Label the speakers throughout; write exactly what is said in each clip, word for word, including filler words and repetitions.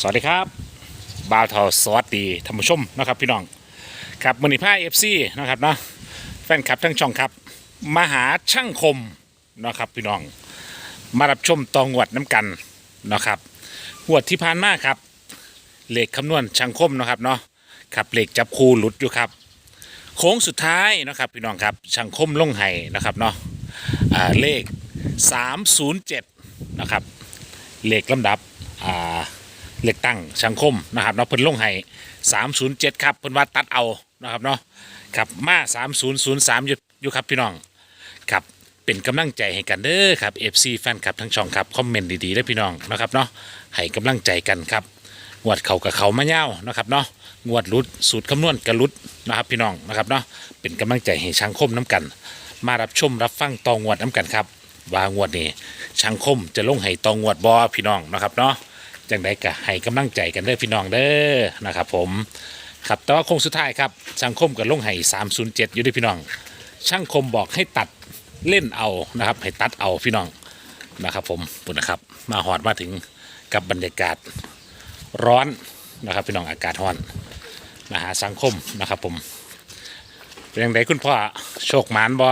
Speaker 1: สวัสดีครับบ่าวทอสวัสดีท่านผู้ชมนะครับพี่น้องครับมือนีผ้าเอฟซีนะครับเนาะแฟนคลับทั้งช่องครับมาหาช่างคมนะครับพี่น้องมารับชมตองวดน้ำกันนะครับงวดที่ผ่านมาครับเลขคำนวณช่างคมนะครับเนาะครับเลขจับคู่หลุดอยู่ครับโค้งสุดท้ายนะครับพี่น้องครับช่างคมลงไห้นะครับเนาะอ่าเลขสามศูนย์เจ็ดนะครับเลขลำดับอ่าเลือกตั้งสังคมนะครับเนาะเพิ่นลงให้สามศูนย์เจ็ดครับเพิ่นว่าตัดเอานะครับเนาะครับมาสามศูนย์ศูนย์สามอยู่อยู่ครับพี่น้องครับเป็นกำลังใจให้กันเด้อครับ เอฟ ซี แฟนคลับทั้งช่องครับคอมเมนต์ดีๆได้พี่น้องนะครับเนาะให้กำลังใจกันครับงวดเขากับเขามาเย้านะครับเนาะงวดรุดสูตรคำนวณกระลุดนะครับพี่น้องนะครับเนาะเป็นกำลังใจให้ช่างคมน้ำกัน มารับชมรับฟังตองวดน้ำกันครับว่างวดนี้ช่างคมจะลงให้ตองวดบอพี่น้องนะครับเนาะจังไดก็ให้กำลังใจกันเด้อพี่น้องเด้อนะครับผมครับแต่ว่าโค้งสุดท้ายครับช่างคมกับลงให้สามศูนย์เจ็ดอยู่ด้วยพี่น้องช่างคมบอกให้ตัดเล่นเอานะครับให้ตัดเอาพี่น้องนะครับผมปุ่นนะครับมาหอดมาถึงกับบรรยากาศร้อนนะครับพี่น้องอากาศร้อนมาหาสังคมนะครับผมเป็นยังไงคุณพ่อโชคหมานบ่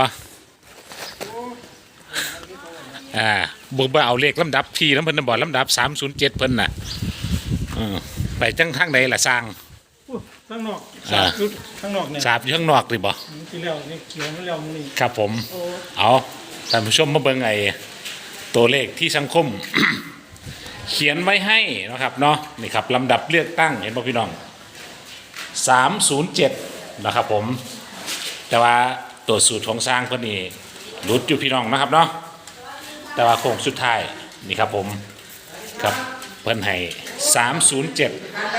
Speaker 1: อ่าบุกไปเอาเลขลำดับที่น้ำเพิ่นบอกลำดับสามศูนย์เจ็ดเพิ่นน่ะไปจังทางใดล่ะสร้าง
Speaker 2: ข้างนอกสาบชุดข้างนอกเนี่ย
Speaker 1: สาบอยู่ข้างนอกดิบ่
Speaker 2: ที่แล้วนี่เขียวไม่แล้วนี่
Speaker 1: ครับผมเอาท่านผู้ชมมาเบิ่งไอ้ตัวเลขที่สังคม เขียนไว้ให้นะครับเนาะนี่ครับลำดับเลือกตั้งเห็นป่ะพี่น้องสามศูนย์เจ็ดนะครับผมแต่ว่าตัวสูตรของสร้างเพิ่นนี่หลุดอยู่พี่น้องนะครับเนาะแต่ว่าโค้งสุดท้ายนี่ครับผมครับเพิ่นให้สามศูนย์เจ็ด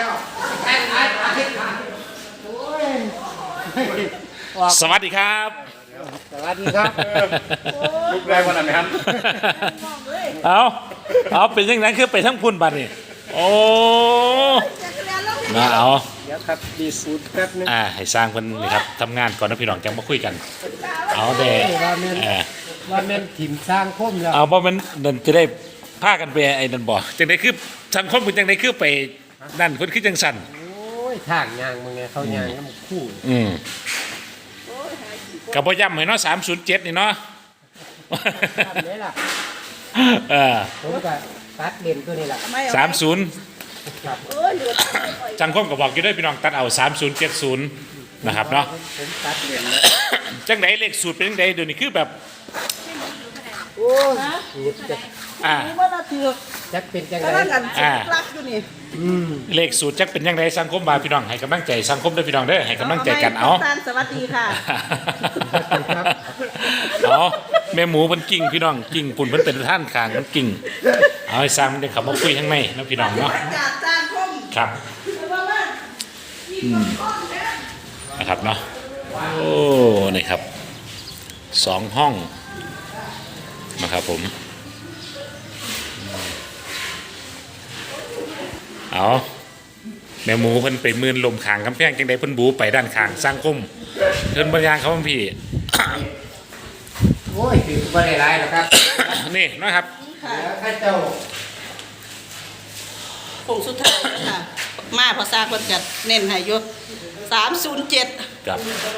Speaker 1: สวัสดีครับ
Speaker 2: สวัสดีครับลูกแรงวันไหนครับ
Speaker 1: เอาเอาเป็นยังไงคือไปทั้งพุ่นบัดนี่โอ้นะเอา
Speaker 2: เดี๋ยวครับดีสูตรแป๊บนึง
Speaker 1: อ่าให้สร้างเพิ่นนี่ครับทำงานก่อนนะพี่น้องจังมาคุยกันเอาเด้เออ
Speaker 2: ว่าแม่นถิ่มสร้างคมแล้ว
Speaker 1: เอาบ่มันนั่นจะได้พากันไปไอ้นั่นบ่จังได๋คือสังคมเพิ่นจังได๋คือไปนั่นเพิ่นคือจังสั่น
Speaker 2: โอ้ยทางยางมึงไงเขายางแล้วมันคู่
Speaker 1: อืมก็บ่ย้ำให้เนาะสามศูนย์เจ็ดนี่เนาะ
Speaker 2: ทำได้ล่ะ
Speaker 1: เออ
Speaker 2: ผมก็ตัดเล่นตัวนี้ล่ะ
Speaker 1: สามศูนย์จังคมก็บอกอยู่ด้วยพี่น้องตัดเอาสามศูนย์เจ็ดศูนย์นะครับเนาะ
Speaker 2: ผมตัดเล่น
Speaker 1: จังได๋เลขสูตรเป็นจังได๋เดี๋ยวนี้คือแบบ
Speaker 2: โอ้ยสูตรจะ
Speaker 1: อ่า
Speaker 2: จักเป็นจังได๋
Speaker 1: อ่าเลขสูตรจักเป็นจังได๋สังคมบาพี่น้องให้กำลังใจสังคมด้วยพี่น้องเด้อให้กำลังใจกันเอา
Speaker 3: สวัสดีค่ะ
Speaker 1: เอาแม่หมูเพิ่นกิ่งพี่น้องกิ่งปุ่นเพิ่นเป็นท่านข้างมันกิ่งเอาให้สร้างได้ขับมาคุยข้างในนะพี่น้องเนาะครับนะครับเนาะโอ้นี่ครับสองห้องนะครับผมเอาแม่หมูเพิ่นไปมืนลมขางกำแพงจังได๋เพิ่นบูไปด้านข้างสร้างคมเพิ่นบรรยางเขาพี่
Speaker 2: โอ้ยถือบ่ได้หลายหรอกครับ
Speaker 1: นี่นะครับ
Speaker 2: ข้าเจ้า
Speaker 3: ผงสุดท้ายค่ะมาพอสร้างเพิ่นก็เน้นให้อยู่สามศูนย์เจ็ด
Speaker 1: ครับ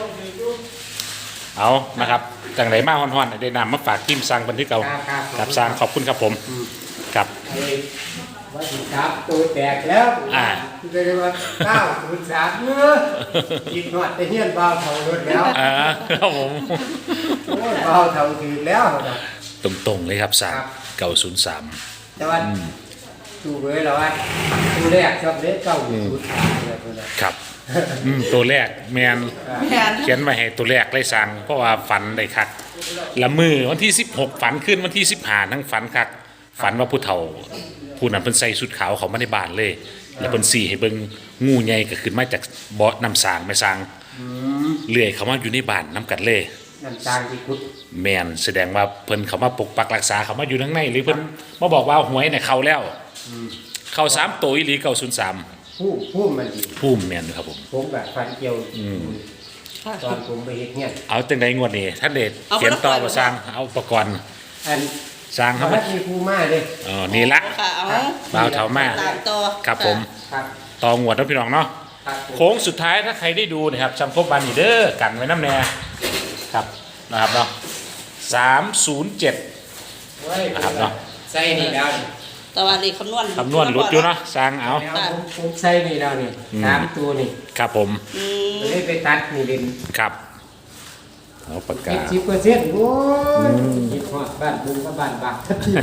Speaker 1: เอานะครับจังได๋มาฮ้อนๆได้นำมาฝากทีมสร้างบันทึกเอากับสร้างขอบคุณครับผมครับ
Speaker 2: ว่าสิครับตัวแตกแล้ว
Speaker 1: อ่า
Speaker 2: คือได้ว่าเก้าศูนย์สามเนื้อกินหอดแต่เฮียนเบาเท่ารถแล้ว
Speaker 1: อ่าครับผม
Speaker 2: โอ้ยเบาเท่าถือแล้ว
Speaker 1: ตรงๆเลยครับสร้างเก้าศูนย์สาม
Speaker 2: แต่ว่าดูเว้ยแล้วว่าตัวแรกชอบเล็กเก้าศูนย์สามเลยตัวนั้น
Speaker 1: ครับตัวแรกแมนเขียนมาให้ตัวแรกเลยสั่งเพราะว่าฝันได้คักละมือวันที่สิบหกฝันขึ้นวันที่สิบห้าทั้งฝันคักฝันว่าผู้เฒ่าผู้นั้นเพิ่นใส่ชุดขาวเขามาในบ้านเลยแล้วเพิ่นสี่ให้เบิ่งงูใหญ่ก็ขึ้นมาจากบ่อน้ำสางไม่สางเลื่อยเขามาอยู่ในบ้านน้ำกัดเลย
Speaker 2: น้ำสางที่คุด
Speaker 1: แมนแสดงว่าเพิ่นเขามาปกปักรักษาเขามาอยู่ข้างในหรือเพิ่นมาบอกว่าหวยเนี่ยเข้าแล้วเข้าสามตัวอีหลีเก้าศูนย์สาม
Speaker 2: ผู้ผู้มันดี
Speaker 1: ผู้แมนครับผม
Speaker 2: ผมแบบฟันเกี่ยวตอนผมไปเฮ็ดเนี่ย
Speaker 1: เอาจังได๋งวดนี้ท่านเดชเขียนต่อบ่สร้างเอาอุปกรณ์
Speaker 2: อัน
Speaker 1: สร้างเขา
Speaker 2: เขา
Speaker 1: มา
Speaker 2: มีครูมาเลย
Speaker 1: อ๋อนี่ละ
Speaker 3: ค่ะเอา
Speaker 1: บ่าวเถามา
Speaker 3: ตามต่อ
Speaker 1: ครับผม
Speaker 2: ครับ
Speaker 1: ตองหวดนะพี่น้องเนาะ
Speaker 2: ครับผม
Speaker 1: โค้งสุดท้ายถ้าใครได้ดูนะครับจำครบบานนี่เด้อกันไว้น้ำแน่ครับนะครับเนาะสามศูนย์เจ็ด
Speaker 2: เว้ย
Speaker 1: นะครับเนาะ
Speaker 2: ใส่นี่แล้วนี่
Speaker 3: แต่ว่าเลขคำนวณ
Speaker 1: คำนวณหลุดอยู่เนาะสร้างเอา
Speaker 2: แล้วผมผมใส่นี่แล้วนี่
Speaker 1: อืม
Speaker 2: สามตัวนี่
Speaker 1: ครับผม
Speaker 3: อืม
Speaker 2: เลยไปตัดนี่เป็น
Speaker 1: ครับเอาปากกา
Speaker 2: เจ็ดสิบเปอร์เซ็นต์โอ้ยคิดฮอดบ้านบุงกับบ้านบาท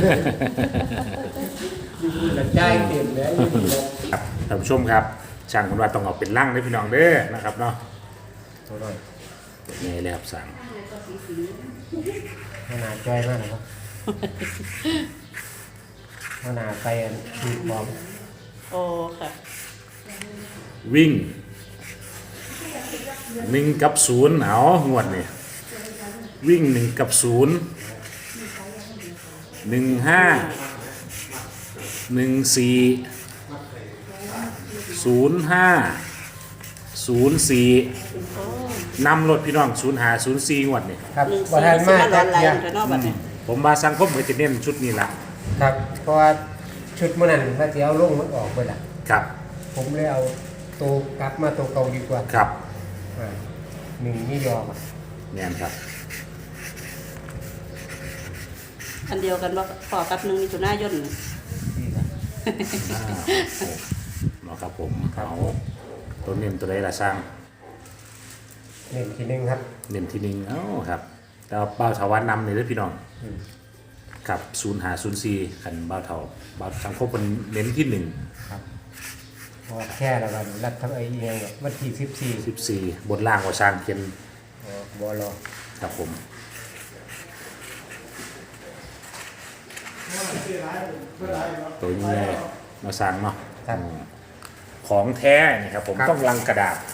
Speaker 2: อยู่บุญละใจายเต็มเลยอยู่บุญละ
Speaker 1: ครับท่านผู้ชมครับช่างคนว่าต้องเอาเป็นร่างเลยพี่น้องเด้อนะครับเนาะ
Speaker 2: ตัวน้อย
Speaker 1: นี่เลยครับสั่ง
Speaker 2: ขนาดใจมากนะครับขนาดไปอันดีพร้อม
Speaker 3: โอ้ค่ะ
Speaker 1: วิ่งหนึ่งกับศูนย์เอางวดนี่วิ่งหนึ่งกับศูนย์หนึ่งห้าหนึ่งสี่ศูนย์ห้าศูนย์สี่นำรถพี่น้องศูนย์หาศูนย์สี่งวดนี่
Speaker 2: ครับ
Speaker 3: หนึ่ง
Speaker 2: บ่ทัน
Speaker 3: สี่
Speaker 2: มา
Speaker 3: สิบ
Speaker 2: จั
Speaker 3: มาก ร้อนไหล
Speaker 2: เทีย
Speaker 3: แต่นอกบัดนี้
Speaker 1: ผมมาสังคมก็จะเน้นชุดนี้ละ
Speaker 2: ครับ เพราะว่าชุดมื้อนั้นพระเจ้าลงมันออกไปละ
Speaker 1: ครับ
Speaker 2: ผมเลยเอาตัวกลับมาตัวเก่าดีกว่า
Speaker 1: ครับ
Speaker 2: อ่าหนึ่งนี่ยอมอะ
Speaker 1: แน่นครับ
Speaker 3: อันเดียวกันว่าพอกับหนึ่งมิถุนายน
Speaker 2: นี่ครับ
Speaker 1: อ่าเนาะครับผมเอาตัวเน้นตัวใดละสร้าง
Speaker 2: หนึ่งทีหนึ่งครับ
Speaker 1: เน้นที่หนึ่งเอ้าครับแต่ว่าเบ้าเถาวันนำเลยเด้อพี่น้อง
Speaker 2: อืม
Speaker 1: กับศูนย์หาศูนย์สี่ขันเบ้าเถาเบ้าสังคมเป็นเน้นที่หนึ่ง
Speaker 2: ครับเพราะว่าแค่ละวันรัฐทั้งไอ้เองเนี่ยวันที่สิบสี่
Speaker 1: สิบสี่บนล่างว่าสร้างเขียน
Speaker 2: บอลอ
Speaker 1: ครับผมตัวนี้ไงมาสร้างเนาะ
Speaker 2: ครับ
Speaker 1: อืมของแท้นี่ครับผม
Speaker 2: ครับ
Speaker 1: ต้องลังกระดาษ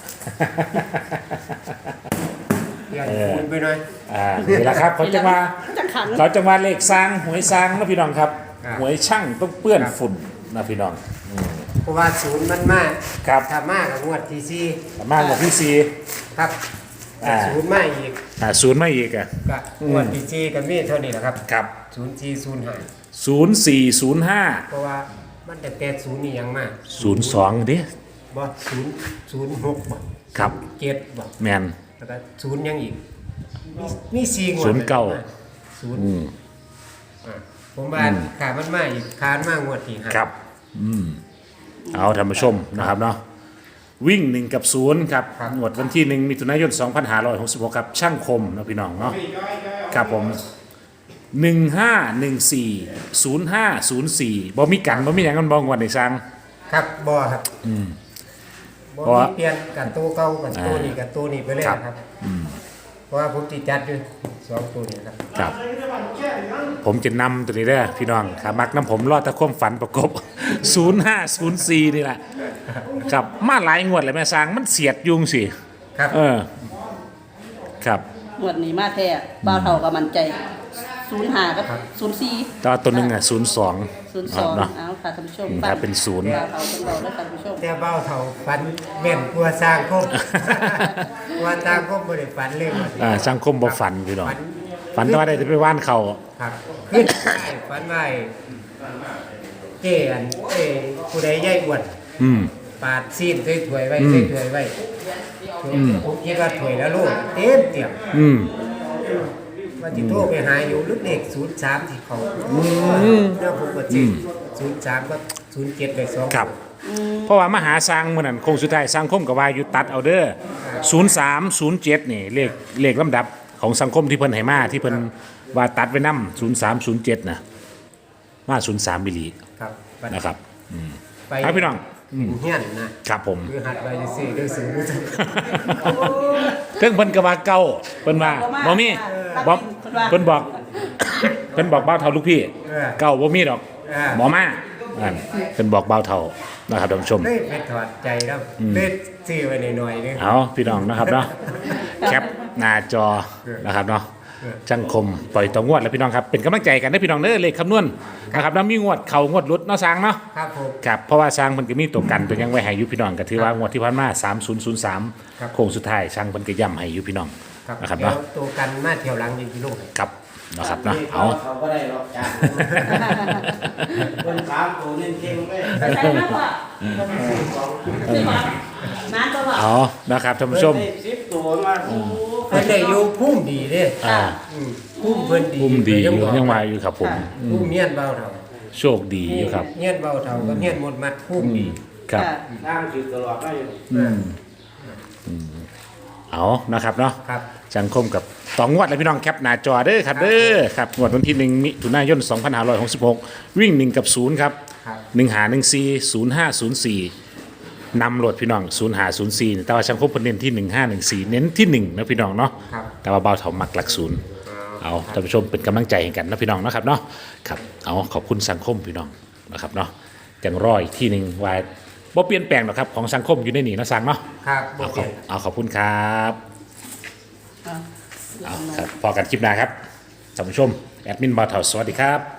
Speaker 2: เดี๋ยว
Speaker 1: เออ
Speaker 2: คูณไปหน่อย
Speaker 1: อ่านี่แหละครับเขาจะมา
Speaker 3: จังขัน
Speaker 1: เขาจะมาเลขสร้างหวยสร้างนะพี่น้องครับ
Speaker 2: ครับ
Speaker 1: หวยช่างต้องเปื้อน
Speaker 2: ครับ
Speaker 1: ฝุ่นนะพี่น้องอืม
Speaker 2: เพราะว่าศูนย์มันมาก
Speaker 1: ครับ
Speaker 2: ถ้ามากกับงวดที่สี่
Speaker 1: มากกว่าที่สี่
Speaker 2: ครับ
Speaker 1: อ่า
Speaker 2: ศูนย์มาอีก
Speaker 1: อ่าศูนย์ไม่อีกอ่ะ
Speaker 2: ก็
Speaker 1: อืม
Speaker 2: งวดที่สี่ก็มีเท่านี้แหละครับ
Speaker 1: ครับ
Speaker 2: ศูนย์สี่ศูนย์ห้า
Speaker 1: ศูนย์สี่ศูนย์ห้า
Speaker 2: เพราะว่ามันแต่แต่ศูนย์นี่ยังมาก
Speaker 1: ศูนย์สองดิ
Speaker 2: บ่ศูนย์ศูนย์หกบ่
Speaker 1: ครับ
Speaker 2: เจ็ดบ่
Speaker 1: แมน
Speaker 2: แล้วก็ศูนย์ยังอีกมีมีสี่งวด
Speaker 1: ศูนย์เก้า
Speaker 2: ศูนย์
Speaker 1: อืม
Speaker 2: อ่าผมว่า
Speaker 1: อืม
Speaker 2: ขามันมาอีกคานมากงวดที่ห้า
Speaker 1: ครับอืมเอาท่านผู้ชมนะครับเนาะวิ่งหนึ่งกับศูนย์ครับงวดวันที่หนึ่งมิถุนายนสองพันห้าร้อยหกสิบหกครับช่างคมนะพี่น้องเนาะครับผมหนึ่งห้าหนึ่งสี่ศูนย์ห้าศูนย์สี่บ่มีกันบ่มีอย่างกันบองวันในสร้าง
Speaker 2: ครับบ่ครับ
Speaker 1: อืม
Speaker 2: บ่
Speaker 1: เพราะ
Speaker 2: มี
Speaker 1: ว่า
Speaker 2: เปลี่ยนกันตัวเก่ากันตัว
Speaker 1: อ่านี้
Speaker 2: นี้กับตัวนี้ไปเลย
Speaker 1: ครับ
Speaker 2: นะครับ
Speaker 1: อืม
Speaker 2: เพราะว่าผมติดจัดอยู่สองตัวนี้ครับ
Speaker 1: ครับ ผมจะนำตัวนี้ได้อพี่น้องขามักน้ำผมรอดตะคว่มฝันประกบ ศูนย์ห้าศูนย์สี่นี่แหละครับมาหลายงวดเลยแม่สร้างมันเสียดยุงสิ
Speaker 2: ครับ
Speaker 1: เออ ครับ
Speaker 3: งวดนี้มาแท้บ้าวเท่ากับมันใจศูนย์ห้ากับศูนย์สี่
Speaker 1: แตว่าตัวหนึ่งอ่ะศูนย์สอง
Speaker 3: ศูนย์สอง
Speaker 1: เนาะ
Speaker 3: เอาค่ะท่านผู้ชม
Speaker 1: อืม
Speaker 3: ฟัง
Speaker 1: ถ้าเป็นศูนย์
Speaker 3: บ้าวเท่าเป็นเราแล้วท่านผู้ชม
Speaker 2: แต่เบ้าเท่าฝันแม่นกลัวสร้างคม ว่าสร้างคมบ่ได้ฝันเลยว่าสิ
Speaker 1: อ่าสังคมบ่ฝันพี่น้อง
Speaker 2: ฝัน
Speaker 1: ฝันแต่ว่าได้ไปว่านเขา
Speaker 2: ครับขึ้นได้ฝันว่าเจ้อันเอ้ผู้ใดใหญ่อ้วน
Speaker 1: อืม
Speaker 2: ปาดซีนใส่ถ้วยไว้
Speaker 1: อืม
Speaker 2: ใส่ถ้วยไว้
Speaker 1: อืม
Speaker 2: ผมคิดว่าถ้วยแล้วลูกเต็มเตียม
Speaker 1: อืม
Speaker 2: ว่าที่โทรไปหาอยู่ลึกเด็กศูนย์สามที่เขาแล้วผมก็จีศูนย์สามก็ศูนย์เจ็ดเลยสอง
Speaker 1: ครับ เพราะว่ามหาสร้างมื่อนั้นคงสุดท้ายสังคมกับว่าอยู่ตัดเอาเด้อศูนย์สามศูนย์เจ็ดนี่เลขเลขลำดับของสังคมที่เพิ่นให้มาที่เพิ่นว่าตัดไว้นำศูนย์สามศูนย์เจ็ดนะมาศูนย์สามมิลลิ
Speaker 2: ครับ
Speaker 1: นะครับ
Speaker 2: ไป
Speaker 1: ครับพี่น้อง
Speaker 2: เฮียนนะครับ
Speaker 1: ผม
Speaker 2: คือหัดไปซื้อเรื่องสูง
Speaker 1: เพิ่งเพิ่นก็ว่าเก่าเพิ่นว่าบ่มีบ่เพิ่นบอก เพิ่นบอกเบาเท่าลูกพี่เก่าบ่มีดอกหมอมาอันเพิ่นบอกเบาเท่านะครับท่านผู้ชม
Speaker 2: เลยไปถอดใจแล้วเล่นซื้อไว้หน่อยๆนึง
Speaker 1: เอาพี่น้องนะครับเนาะแคปหน้าจอนะครับเนาะจังคมปล่อยต่องวดแล้วพี่น้องครับเป็นกำลังใจกันได้อพี่น้องเด้อเลขคำนวณนะครับแล้วมีงวดเข่างวดหลุดเนาะสร้างเนาะ
Speaker 2: ครับผม
Speaker 1: ครับเพราะว่าสร้างมันก็มีตัวกันตัวยังไว้ให้อยุพี่น้องก็ถือว่างวดที่ผ่านมาสามศูนย์ศูนย์สาม
Speaker 2: ครับ
Speaker 1: โค้งสุดท้ายสร้างมันก็ย่ำให้อยุพี่น้อง
Speaker 2: ครับ
Speaker 1: นะครับ
Speaker 2: เดี๋ยว
Speaker 1: เนาะ
Speaker 2: ตัวกันมาเที่ยวหลังยิงกิโล
Speaker 1: ครับนะครับเนาะเอา
Speaker 4: เขาก็ได้หรอกจ้าคนสามตัวเน้นเก่งเลย
Speaker 3: ใส่มากกว่าสิบบาทน้ำตัวละ
Speaker 1: เอานะครับท่านผู้ชม
Speaker 4: ได้สิบตัวมาโอ้โห
Speaker 2: เพิ่นได้อยู่พุ่มดีเด้
Speaker 1: อ่า
Speaker 2: อืมพุ่มเพิ่นดี
Speaker 1: ภูมิดีอยู่
Speaker 2: บอก
Speaker 1: ยังมาอยู่ครับผม
Speaker 2: พุ่มเงียนเบาเท่า
Speaker 1: โชคดีอยู่ครับ
Speaker 2: เงียนเบาเท่าก็เงียนหมดมัดพุ่มดี
Speaker 1: ครับ
Speaker 3: ค่ะ
Speaker 4: สร้างสิตลอดได้อยู่
Speaker 1: อืมอืมเอานะครับเนาะ
Speaker 2: ครับ
Speaker 1: จังคมกับต่องวดเลยพี่น้องแคปหน้าจอเด้อครับเด้อครับงวดวันที่หนึ่งมิถุนายนสองพันห้าร้อยหกสิบหกวิ่งหนึ่งกับศูนย์ครับ
Speaker 2: ครับ
Speaker 1: หนึ่งหาหนึ่งสี่ศูนย์ห้าศูนย์สี่นำโหลดพี่น้องศูนย์หาศูนย์สี่แต่ว่าช่างคมเพิ่นเน้นที่หนึ่งห้าหนึ่งสี่เน้นที่หนึ่งนะพี่น้องเนาะ
Speaker 2: ครับ
Speaker 1: แต่ว่าเบาเถามักหลักศูนย์เอาท่านผู้ชมเป็นกำลังใจให้กันนะพี่น้องเนาะครับเนาะครับเอาขอบคุณสังคมพี่น้องนะครับเนาะจังร้อยที่หนึ่งว่าบ่เปลี่ยนแปลงหรอกครับของสังคมอยู่ในนี่เนาะสังเนาะ
Speaker 2: ครับบ่
Speaker 1: เอาข
Speaker 2: เปลี่
Speaker 1: อย บ
Speaker 2: น
Speaker 1: เอาขอบคุณครับ
Speaker 3: อ่ะ
Speaker 1: เอาครับพอกันคลิปหน้าครับท่านผู้ชมแอดมินบาเถาสวัสดีครับ